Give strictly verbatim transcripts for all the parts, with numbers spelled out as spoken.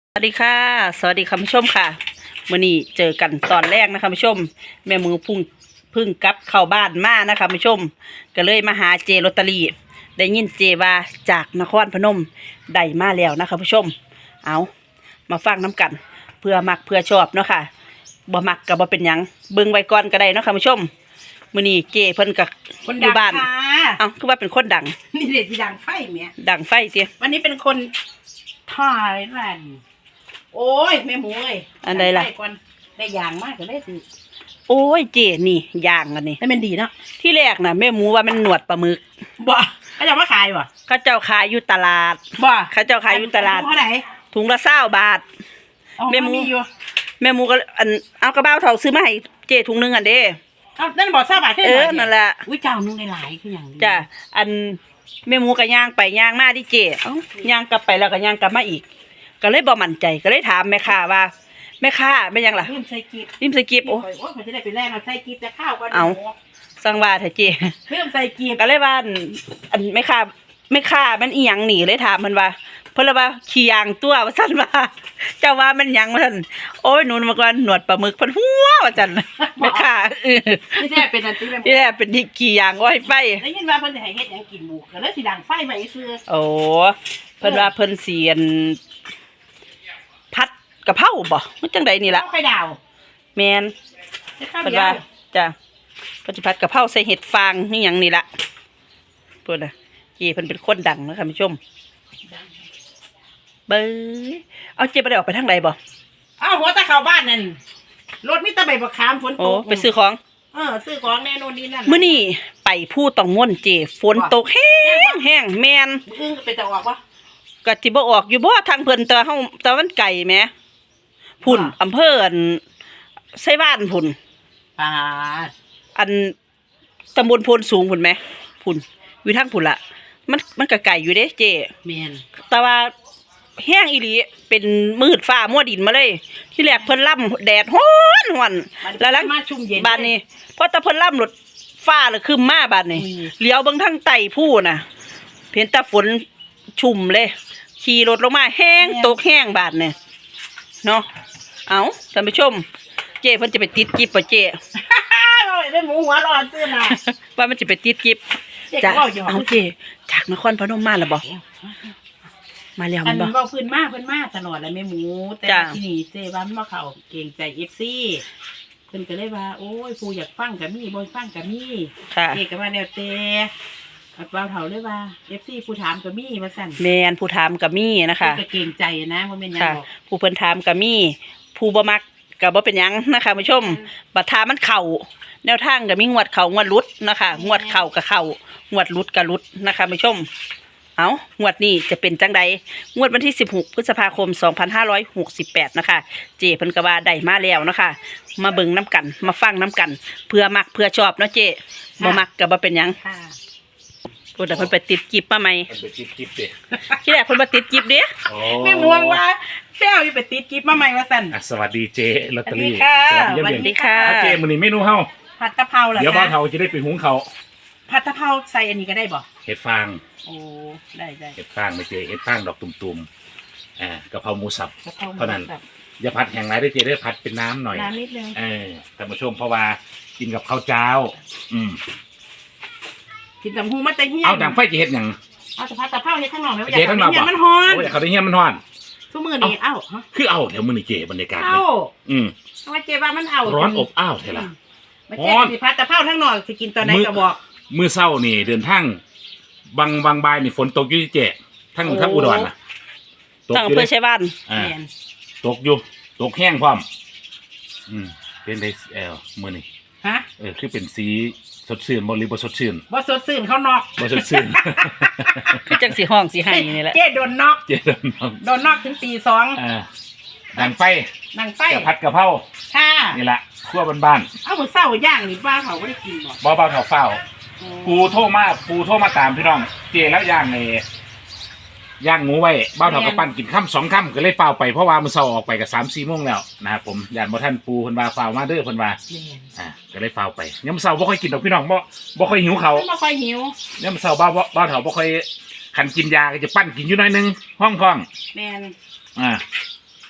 สวัสดีค่ะสวัสดีคุณผู้ชมค่ะมื่อนี้เจอกันตอนแรกนะคะคุณผู้ชมแม่มือพุ่งพึ่งกลับเข้าบ้านมานะคะคุณผู้ชมก็เลยมาหาเจลอตเตอรี่ได้ยินเจว่าจากนครพนมได้มาแล้วนะคะคุณผู้ชมเอามาฟังน้กันเพื่อมักเพื่อชอบเนาะค่ะบ่มักก็บ่เป็นหยังเบิ่งไว้ก่อนก็ได้เนาะค่ะคุณผู้ชมมื่อนี้เจเพิ่นกับคนอยู่บ้านเอ้าคือว่าเป็นคนดังนี่เด็ดที่ดังไฟเมียดังไฟเจีวันนี้เป็นคนถ่ายรันโอ้ยแม่หมูเอ้ยอันใดล่ะได้ก่อนได้อย่างมากก็ได้สิโอ้ยเจนี่ย่างกันนี่ให้มันดีเนาะที่แรกน่ะแม่หมูว่ามันหนวดปลาหมึกบ่เขาจะมาขายบ่เขาเจ้าขายอยู่ตลาดบ่เขาเจ้าขายอยู่ตลาดเท่าไหร่ถุงละเศร้าบาทอ๋อแม่หมูนอยู่แม่หมูก็อันเอากระเป๋าเถาซื้อมาให้เจถุงหนึงอันเด้เอานั่นบอกทราบบ่าขึ้นเออนั่นแหละอุ้ยเจ้านุ่งในหลายคืออย่างนี้จ้ะอันแม่หมูก็ย่างไปย่างมาที่เจเอ้าย่างกลับไปแล้วก็ย่างกลับมาอีก ก็เลยบ่มั่นใจก็เลยถามแม่ค้าว่าแม่ค้าเป็นหยังล่ะลืมใส่กิ๊บริมสกิปโอ้โอ้ยเขาจะได้ไปแลกมาใส่กิ๊บจะข้าวก่อนเอา สั่งว่าเถอะเจลืมใส่กิ๊บก็เลยว่าอันอันแม่ค้าแม่ค้ามันอีหยังหนีเลยถามมันว่าเพิ่นเลยว่าขี้ยางตัวว่าซั่นว่าเจ้าว่ามันหยังว่าซั่นโอ้ยหนูมาก่อนหนวดปลาหมึกเพิ่นหัวว่าซั่นแม่ค้าเออนี่แท้เป็นอันที่แม่หมูนี่แหละเป็นที่ขี้ยางอ้อยไฟได้ยินว่าเพิ่นจะให้เฮ็ดหยังกินหมูก็เลยสิดังไฟไว้ซื้อโอ้เพิ่นว่าเพิ่นเสียนพัดกะเพราบ่มันจังใดนี่ล่ะข้าวไข่ดาวแม่นข้าวเพิ่นเดียว่าว จ้ะเพิ่นสิพัดกะเพราใส่เห็ดฟางนี่หยังนี่ล่ะเพิ่นน่ะเจเพิ่นเป็นคนดังนะค่ะคุณผู้ชมเบ้ยเอาเจบ่ได้ออกไปทางใดบ่อ้าวหัวตะเข้าบ้านนั่นรถมีแตะใบบักขามฝนตโอ้กไปซื้อของเออซื้อของแน่นอนนี่นั่นมื้อนี้ไปผู้ต้องม่วนเจฝนตกแห้งแห้งแม่นอึ้งก็ไปจะออกวะก็สิบ่ออกอยู่บ่ทางเพิ่นแต่เฮาแต่มันไกลแหมพุ่นอำเภออันไสบ้านพุ่นปาดอันตำบลโพนสูงพุ่นไหมพุ่นอยู่ทางพุ่นละมันมันก็ไกลอยู่เด้เจเมียนแต่ว่าแห้งอีหลีเป็นมืดฟ้ามัวดินมาเลย ที่แรกเพิ่นล่ำแดดฮ้อนฮ้อนแล้วหลังมาชุ่มเย็นบ้านนี้พอตะเพิ่นล่ำรถฟ้าเลยคึมมาบ้านนี้อุ้ยเลี้ยวเบิ่งทางใต้ผู้น่ะเห็นแตาฝนชุ่มเลยขี่รถลงมาแห้งตกแห้งบาดเนี่ยเนาะเอาท่านผู้ชม เจเพิ่นจะไปติดกิบป่ะเจโอ้ยได้หมูหัวร้อนซื้อมาว่ามันจะไปติดกิฟเจ๊จ้ะก็บอกอยู่เอาเจจากนครพนมมาแล้วบ่มาแล้วอัมัน นบ่เบาพื้นมากพื้นมากตลอดเลยแม่หมู แต่จ้ะที่นี่เจ๊ว่ามันมาเข้าเก่งใจเอฟซีเพิ่นก็เลยว่าโอ้ยผู้อยากฟังกับมี่บ่ฟังกับมี่ค่ะเจ๊ก็ว่าแนวเตะอัดว่าเฒ่าเลยว่าเอฟซีผู้ถามกับมี่มาสั่นแมนผู้ถามกับมี่นะคะเพิ่นก็เก่งใจนะบ่แม่นหยังค่ะหรอกผู้เพิ่นถามกับมี่ผู้บ่มักก็บ่เป็นหยังนะคะผู้ชมบัดทามันเข้าแนวทางก็มีงวดเข้างวดหลุดนะคะงวดเข้าก็เข้างวดหลุดก็หลุดนะคะผู้ชมเอางวดนี้จะเป็นจังใดงวดวันที่สิบหกพฤษภาคมสองพันห้าร้อยหกสิบแปดนะคะเจเพิ่นก็ว่าได้มาแล้วนะคะมาเบิ่งน้ำกันมาฟังน้ำกันเพื่อมักเพื่อชอบเนาะเจบ่มักก็บ่เป็นหยังค่ะพูดแต่เพิ่นไปติดกิบมาไหมมันไปจิบจิบดิที่แรกเพิ่นมาติดกิบเด้โอ้แม่หมูว่าแซวอยู่ไปติดกิ๊บมาใหม่ว่าสั่นอ่ะสวัสดีเจลอตเตอรี่สวัสดีค่ะเยี่ยมสวัเยียสนดีค่ะอ่ะเจมื้อนี้เมนูเฮาผัดกะเพราเหรอเดี๋ยวคะบ้านเฮาจะได้ไปหุงเขาวผัดกะเพราใส่อันนี้ก็ได้บ่เห็ดฟางโอ้ได้ได้เห็ดฟางไม่เจเห็ดฟางดอกตุ่มๆอ่ากะเพราหมูสับกะเพราหมูเท่านั้นสับอย่าผัดแห้งไรได้เจได้ผัดเป็นน้ำหน่อยน้ำนิดนึงเออท่านผู้ชมเพราะว่ากินกับข้าวเจ้า อืมกินตำหูมันจะเหี้ยนเอาดังไฟจะเฮ็ดหยังเอาแต่ผัดกะเพราเฮ็ดข้างนอกไหมว่าอเจยากข้างนให้อกเหี้ยบ่นมันฮ้อนโอ้ยเขาได้เฮียมันฮ้อนทุกมื้อนี้เอ้าฮะคือเอาแถวมื้อนี้เจบรรยากาศเอ้าเลยอืมทำไมเจ๊ว่ามันเอาร้อนอบอ้าวเท่าล่ะมาเจ๊สิผัดกะเพราทั้งนอกสิกินตอนไหนก็บอกมื้อเช้านี่เดินทางบางบางบ่ายนี่ฝนตกอยู่ที่เจทั้งทั้งอุดรน่ะตกตั้งอยู่เพื่อเด้ใช้บ้านอ่าแม่นตกอยู่ตกแห้งพร้อม อืมเป็นไดเออมื้อนี้ฮะเออคือเป็นสีสดชื่นบ่หรือบ่สดชื่นบ่สดชื่นเขานอกบ่สดชื่นคือจังสีห้องสีให้นี่แหละเจ๊โดนนอกเจดน้องโดนนอกถึงตีสองอ่าดังไฟนั่งไฟกะผัดกะเพราค่ะนี่ล่ะครัวบ้านเอามื้อเช้าย่างนี่ป้าเขาบ่ได้กินบ่ๆบ่เบาเท่าเฝ้าปูโทรมาปูโทรมาตามพี่น้อง เจแล้วย่างในย่างหมูไว้เบ้าเท่ากับปั้นกินค่ำสองค่ำก็เลยเฝ้าไปเพราะว่ามื้อเช้าออกไปก็ สามสี่โมงแล้วนะครับผมย่านบ่ทันปูเพิ่นว่าเฝ้ามาเด้อเพิ่นว่าแม่นอ่าก็เลยเฝ้าไปยามมื้อเช้าบ่ค่อยกินดอกพี่น้องบ่บ่ค่อยหิวเขาวมันบ่ค่อยหิวยามมื้อเช้าบ้าบ่บ้าเฒ่าบ่ค่อยคันกินยาก็จะปั้นกินอยู่หน่อยหนึงห้องท้องแม่นอ่า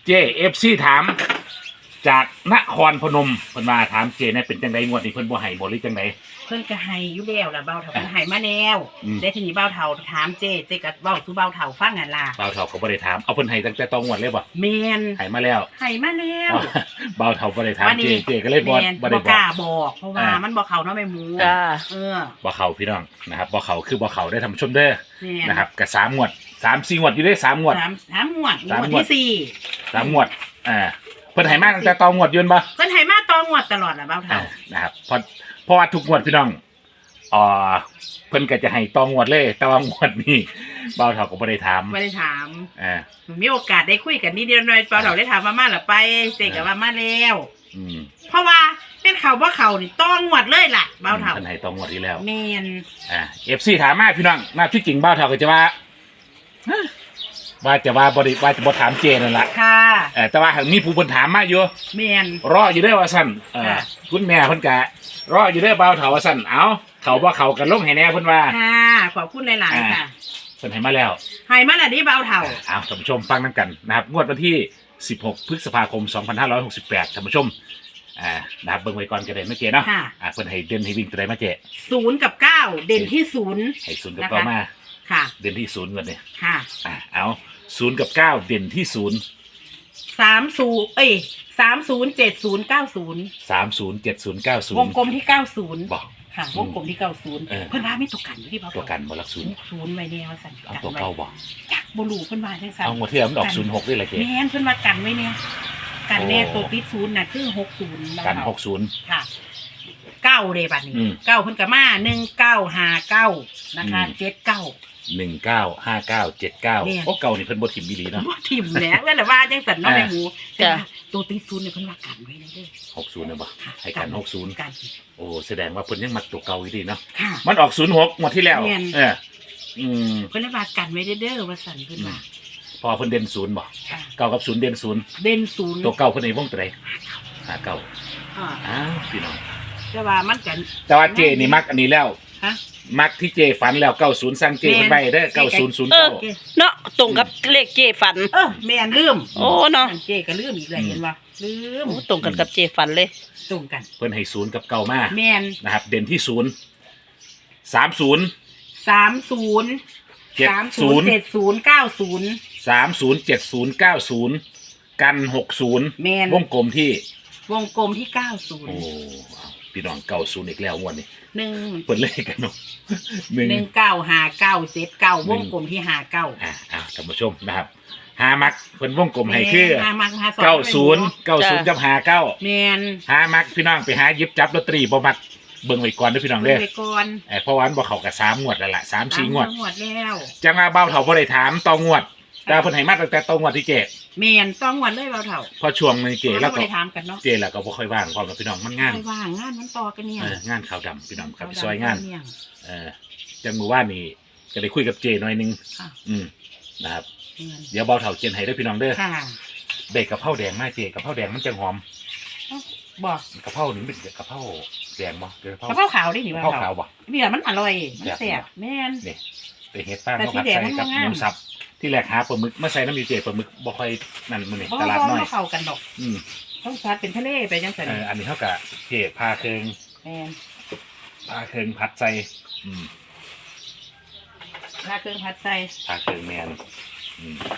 เจเอฟซีถามจากนครพนมเพิ่นมาถามเจเนี่ยเป็นจังไดงวดนี้เพิ่นบ่ให้บ่หรือจังไดเพิ่นก็ให้อยู่แล้วล่ะเบาเฒ่าเพิ่นให้มาแล้วอืมได้ทีนี้เบาเฒ่าถามเจ้เจ้ก็เว้าสู่เบาเฒ่าฟังนั่นล่ะบ่าวเฒ่าก็บ่ได้ถามเอาเพิ่นให้ตั้งแต่ตองวดเลยบ่แม่นให้มาแล้วให้มาแล้วบ่าวเฒ่าบ่ได้ถามวันเจนี้เจก็เลยบ่แม่นบ่ได้บ่บกอกล้าบอกเพราะว่าอ่ามัมันบ่เข้าเนาะแม่หมูจ้าเออบ่เข้าพี่น้องนะครับบ่เข้าคือบ่เข้าได้อท่านผู้ชมเด้อแม่นนะครับก็สามงวดสามสี่งวดอยู่ได้อสามงวดสามสามงวดสามงวดงวดที่สี่สามงวดอ่าเพิ่นให้มาตั้งแต่ตองวดยืนบ่เพิ่นให้มาต่องวดตลอดล่ะเบาอ่าเฒ่านะครับเพราะเพราะว่าทุกงวดพี่น้องอ่าเพิ่นก็จะให้ตองวดเลย แต่ว่างวดนี้บ่าวเฒ่าก็บ่ได้ถามบ่ได้ถามอ่ามีโอกาสได้คุยกันนิดเดียวหน่อยเบาเฒ่าได้ถามว่ามาล่ะไปเจ้ก็ว่ามาแล้วอืมเพราะว่าเป็นเขาบ่เขานี่ต้องงวดเลยล่ะเบาเฒ่าเพิ่นให้ตองวดที่แล้วแม่นอ่า เอฟ ซี ถามมาพี่น้องน่าที่จริงบ่าวเฒ่าก็จะว่าฮะว่าจะว่าบ่ได้ว่าจะบ่ถามเจนั่นล่ะค่ะเออแต่ว่าหากมีผู้เพิ่นถามมาอยู่แม่นรออยู่เด้อว่าซั่นเออค่ะคุณแม่เพิ่นก็รออยู่เด้อบ่าวเฒ่าว่าซั่นเอ้าเขาบ่เขากันลงให้แน่เพิ่นว่าค่ะขอบคุณหลายๆค่ะเพิ่นให้มาแล้วให้มาแล้วนี่เบาเฒ่าอ้าวท่านผู้ชมฟังนํกันนะครับงวดวันที่สิบหกพฤษภาคมสองพันห้าร้อยหกสิบแปดท่านผู้ชมอ่านะครับเบิ่งไว้ก่อนก็ได้เมื่อกี้เนาะค่ะอ่าเพิ่นให้เด่นให้วิ่งตัวใดมาเจศูนย์กับเก้าเด่นที่ศูนย์ให้ศูนย์กับนะคะเก้ามาค่ะเด่นที่ศูนย์ก่อนเนี่ยค่ะอ่าเอาศูนย์กับเก้าเด่นที่ศูนย์สามศูนย์เอ้ยสามศูนย์เจ็ดศูนย์เก้าศูนย์สามศูนย์เจ็ดศูนย์เก้าศูนวงย์กลมที่เก้าศูนย์บอกค่ะอืมวงกลมที่เก้าศูนย์เออเพิ่นว่าไม่ตกกันอยู่ที่เบาตัวกันบอลักศูนย์ศูนย์ไว้เนี่ยว่าสั่นเอากันตัวไว้เก่าบอกจักบ่รู้เพิ่นว่าจังซั่นเอางวดที่แล้วมันออกศูนย์หกด้วยเลยเจ๊แม่นเพิ่นว่ากันไว้เนี่ยกันแน่โอ้ตัวติดศูนย์น่ะคือหกศูนย์กันหกศูนย์ค่ะเก้าเลยบัดนี้อืมเก้าเพิ่นก็มาหนึ่งเก้าห้าเก้านะคะอืมเจ็ดเก้าหนึ่งเก้าห้าเก้าเจ็ดเก้าเนี่ยโอ้เก่านี่เพิ่นบทถิ่มบีลีเนาะบ่ทิ่มแหล้วเพิ่นน่ะว่าจังซั่นเนาะอ่าแม่หมูแต่จ้ะว่าตัวติดศูนย์เนี่ยเพิ่นว่ากันไว้เลยเด้อหกศูนย์เนี่ยบ่ค่ะให้กันหกศูนย์กันโอ้แสดงว่าเพิ่นยังมักตัวเก่าอยู่ดีเนาะค่ะมันออกศูนย์หกงวดที่แล้วแม่นเอออืมเพิ่นเลยว่ากันไว้เด้อว่าซั่นเพิ่นว่าพอเพิ่นเด่นศูนย์บ่ค่ะเก้ากับศูนย์เด่นศูนย์เด่นศูนย์ตัวเก่าเพิ่นในวงตัวใดหาเก้าอ่าอ้าวพี่น้องแต่ว่ามันกันแต่ว่าเจนี่มักอันนี้แล้วฮะมักที่เจฝันแล้วเก้าศูนย์สั่งเจเพิ่นไปเด้อเก้าศูนย์ศูนย์เออเก้าเนาะตรงกับเลขเจฝันเออแม่นลืมโอ้เนาะเจ๊ก็ลืมอีกแล้วเห็นบ่ลืมโอ้ตรงกันกับเจฝันเลยตรงกันเพิ่นให้ศูนย์กับเก้ามาแม่นนะครับ เด่นที่ศูนย์สามศูนย์สามศูนย์เจ็ดสามศูศูนนย์ย์เจ็ดศูนย์เก้าศูนย์สามศูนย์เจ็ดศูนย์เก้าศูนย์กันหกศูนย์แม่นวงกลมที่วงกลมที่เก้าศูนโอ้ย์พี่น้องเก้าศูนย์อีกแล้วงวดนี้หนึ่งเปิดเลขกันเนาะหนึ่งหนึ่งเก้าห้าเก้าเจ็ดเก้าวงกลมที่ห้าเก้าอ่าอ่าท่านผู้ชมนะครับหามักเพิ่นวงกลมให้คือห้ามักห้าสองเก้าศูนย์เก้าศูนย์จ้ะกับหาเก้าแม่นหามักพี่น้องไปหาหยิบจับลอตเตอรี่บ่มักเบิ่งไว้ก่อนเด้อพี่น้องเบิ่เด้งอไปก่อนเอ้ยเพราะว่ามันบ่เข้ากับสามงวดแล้วล่ะสามสี่งวดสามงวดแล้วจังว่าเบ้าเฒ่าบ่ได้ถามต่องวดแต่เพิ่นให้มาตั้งแต่ต่องวดที่เจแม่นต้องงวดเลยเบาเถ่าพอช่วงนึงเจแล้วไม่ก็ได้ถามกันเนาะเจแล้วก็บ่ค่อยว่างพร้อมกับพี่น้องมันงานไม่ว่างงานมันต่อกันเนี่ยเอองานขาวดำพี่น้องครับไปซอยงานเนี่ยเออจังมือว่านนี่จะได้คุยกับเจหน่อยหนึงค่ะอืมนะครับเงินเดี๋ยวเบาเฒ่าเขียนให้เด้อพี่น้องเด้อค่ะได้กะเพราแดงมาเจกะเพราแดงมันจังหอมบอกกะเพรานี่มันเป็นกะเพราแดงบ่เป็นกะเพกะราเพราขาวดิหนิกะว่าเพราขาวบ่เนี่ยมันอร่อยมันแซ่แซ่บบแม่นนี่ไปเฮ็ดฟางแต่เขาสีผัดแดงใส่มันกับงามหมูสับที่แรกหาปลาหมึกมาใส่น้ำอยู่เจปลาหมึกบ่ค่อยนั่นมื้อนี้บ่ตลาดบ่น้อยบ่เข้ากันดอกอืมต้องชัดเป็นทะเลไปจังซั่นเอออันนี้เท่ากับเจพาเคิงแม่นพาเคิงผัดใส่อืมถ้าเครื่องผัดใส่พาเคิงแมนอืม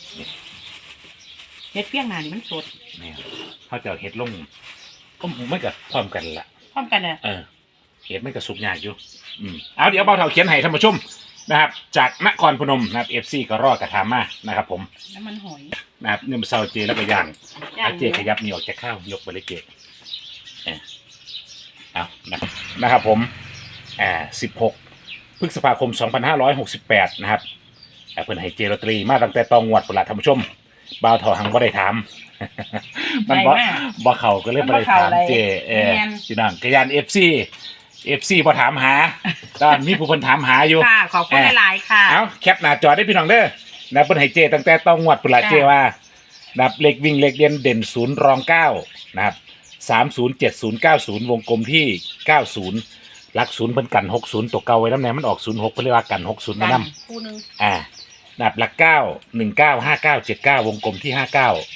เฮ็ดเปียงหน้านี่มันสดแมนเขาจะเอาเฮ็ดลงก็ไม่กับพร้อมกันละพร้อมกันน่ะเออเห็ดไม่กระสุกยากอยู่ อืมเอาเดี๋ยวเบาเท่าเขียนให้ท่านผู้ชมนะครับ จากนครพนมนะครับเอฟซีก็รอดกระทามานะครับ ผมน้ำมันหอยนะครับเนี่ยมันเซาเจแล้วก็ย่างย่างเอาเจขยับนี่ออกจากข้าวยกไปเลยเจเออเอานะครับนะครับ ผมอ่าสิบหกพฤษภาคมสองพันห้าร้อยหกสิบแปดนะครับอ่าเพิ่นให้เจลอตเตอรี่มาตั้งแต่ตองงวดพุ่นละท่านผู้ชมเบาเท่าหังบ่ได้ถาม มันบ่ได้มากบ่เข้าก็เลยบ่ได้ถามเจเออแม่นพี่น้องกระยานเอฟซีเอฟซีพอถามหาตอนมีผู้คนถามหาอยู่ค่ะขอบคุณหลายๆค่ะเอาแคปหน้าจอได้พี่น้องเด้อนะเพิ่นให้เจตั้งแต่ต้องงวดพุ่นละจ้ะเจว่านะครับเลขวิ่งเลขเด่นเด่นศูนย์รองเก้านะครับสามศูนย์เจ็ดศูนย์เก้าศูนย์วงกลมที่เก้าศูนย์หลักศูนย์เพิ่นกันหกศูนย์ตัวเก่าไว้น้ำแนมันออกศูนย์หกเพิ่นเรียกว่ากันหกศูนย์มานํคู่หนึงอ่านะครับหลักเก้าหนึ่งเก้าห้าเก้าเจ็ดเก้าวงกลมที่ห้าเก้า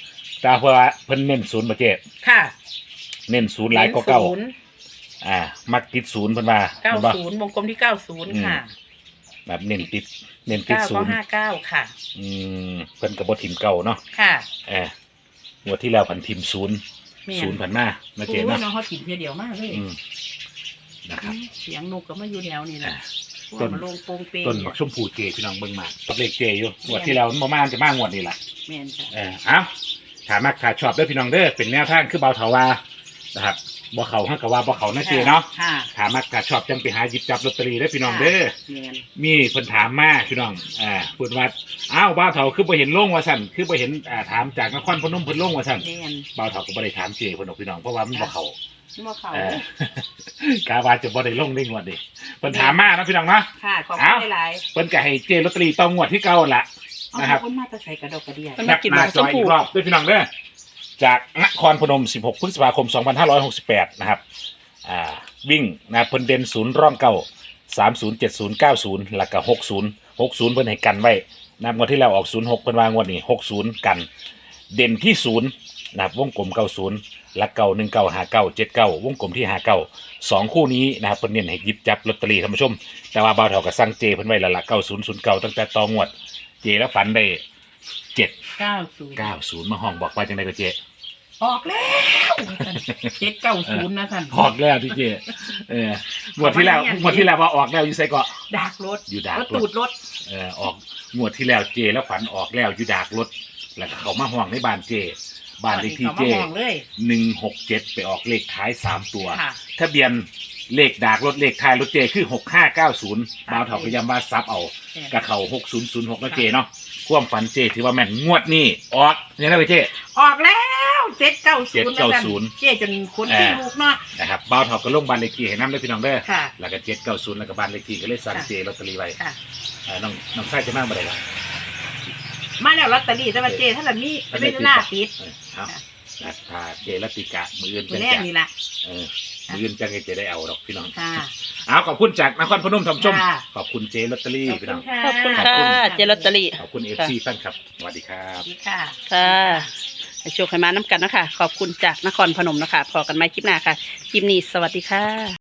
แต่เพราะว่าเพิ่นเน้นศูนย์บ่เจ๊ค่ะเน้นศูนย์หลายกว่าเก่าศูนย์อ่ามักติดศูนย์เพิ่นว่าเก้าเห็นบ่ศูนย์วงกลมที่เก้าศูนย์ค่ะแบบเน้นติดเน้นติดเก้าศูก็นย์ห้าเก้าค่ะอืมเพิ่นก็บ่ถิ่มเก่าเนาะค่ะเอองวดที่แล้วพันถิ่มศูนย์แม่นศูนย์พันมามาโอ้เจ๊ยเนาะน้องเขาถิ่นเพียเดียวมากเลยอืมนะครับเสียงนกก็มาอยู่แนวนี่แหละต้ต้นนมาลงโปงเปงต้นบักชมพูเจพี่น้องเบิ่งมากับเลขเจอยู่งวดที่แล้วมันบ่มาจะมางวดนี้ล่ะแม่นค่ะเออเอาถามมักถ้าชอบเด้อพี่น้องเด้อเป็นแนวทางคือเบาเถาว่านะครับบ่เขาฮักกะว่าบ่เขานะเจเนาะค่ะถามมักถ้าชอบจังไปหาหยิบจับลอตเตอรี่เด้อพี่น้องเด้อแม่นมีเพิ่นถามมาพี่น้องอ่าเพิ่นว่าอ้าวบ่าวเถาคือบ่เห็นลงว่าซั่นคือบ่เห็นอ่าถามจากนครพนมเพิ่นลงว่าซั่นแม่นบ่าวเถาก็บ่ได้ถามเจเพิ่นดอกพี่น้องเพราะว่ามันบ่เข้านี่มาเขาเออกาว่าจะบ่ได้ลงได้งวดดิเพิ่นถามมานะพี่น้องเนาะค่ะขอบเอ้าคุณหลายเพิ่นก็ให้เจลอตเตอรี่ต้องงวดที่เก่าหั่นล่ะๆเอานะครับคนมาตะใส่กระดอกกระเดียมันแคมาปกินหน้าบักจชอมอีพูกรอบด้วยพี่น้องเด้อจากนครพนมสิบหกพฤษภาคมสองพันห้าร้อยหกสิบแปดนะครับอ่าวิ่งนะเพิ่นเด่นศูนย์ร่องเก่าสามศูนย์เจ็ดศูนย์เก้าศูนย์แล้วก็หกศูนย์หกศูนย์เพิ่นให้กันไว้นะครับงวดที่แล้วออกศูนย์หกเพิ่นวางงวดนี้หกศูนย์กัน เด่นที่ศูนย์นะครับวงกลมเก้าศูนย์และเก้าหนึ่งเก้าหาเก้าเจ็ดเก้าวงกลมที่หาเก้าสองคู่นี้นะครับเพิ่นเน้นให้หยิบจับลอตเตอรี่ท่านผู้ชมแต่ว่าบ่าวเฒ่าก็สั่งเจเพิ่นไว้แล้วล่ะเก้าศูนย์ศูนย์เก้าตั้งแต่ต่องวดเจแล้วฝันได้เจ็ดเก้าศูนย์เก้าศูนย์มาห้องบอกว่าจังไดก็เจออกแล้วเจ็ดเก้าศูนย์นะท่านออกแล้วที่เจเอองวดที่แล้วงวดที่แล้วว่าออกแล้วอยู่ไสก็ดักรถอยู่ดากรรถถตูดรถเออออกงวดที่แล้วเจแล้วฝันออกแล้วอยู่ดากรถแล้วก็เขามาห้องในบ้านเจบ้านเลขที่เจอามาห้องเลยหนึ่งหกเจ็ดไปออกเลขท้ายสามตัวค่ะทะเบียนเลขดากรถเลขท้ายรถเจคือหกห้าเก้าศูนย์บ่าวเถาพยายามว่าซับเอากระเขาหกศูนย์ศูนย์หกนะเจเนาะความฝันเจถือว่าแม่นงวดนี้ออกยังไงไปเจออกแล้วเจ็ดเก้าศูนย์เจ็ดเก้าศูนย์เจ๊จนคนที่ลูกเนาะนะครับบ่าวเถาก็ลงบ้านเลขที่ให้น้ำได้พี่น้องเด้อค่ะแล้วก็เจ็ดเก้าศูนย์แล้วก็บ้านเลขที่ก็เลยสั่งค่ะเจลอตเตอรี่ไว้ค่ะอ่าน้องน้องไส้จะมากบ่ได้ละมาแล้วลอตเตอรี่แต่ว่าเจ๊ถ้าแบบนี้ไม่ได้หน้าปิดเออเอานะถ้าเจลติกะมืออื่นตัวจังแรกจะนี่แหละเออมืออื่นจังจะได้เอาดอกพี่น้องค่ะเอาขอบคุณจากนครพนมท่านผู้ชมค่ะขอบคุณเจลอตเตอรี่พี่น้องขอบคุณค่ะเจลอตเตอรี่ขอบคุณเอฟซีแฟนครับสวัสดีครัสบวัสดีค่ะค่ะให้โชคให้มาน้ำกันนะคะขอบคุณจากนครพนมนะคะพอกันไหมคลิปหน้าค่ะ คลิปนี้สวัสดีค่ะ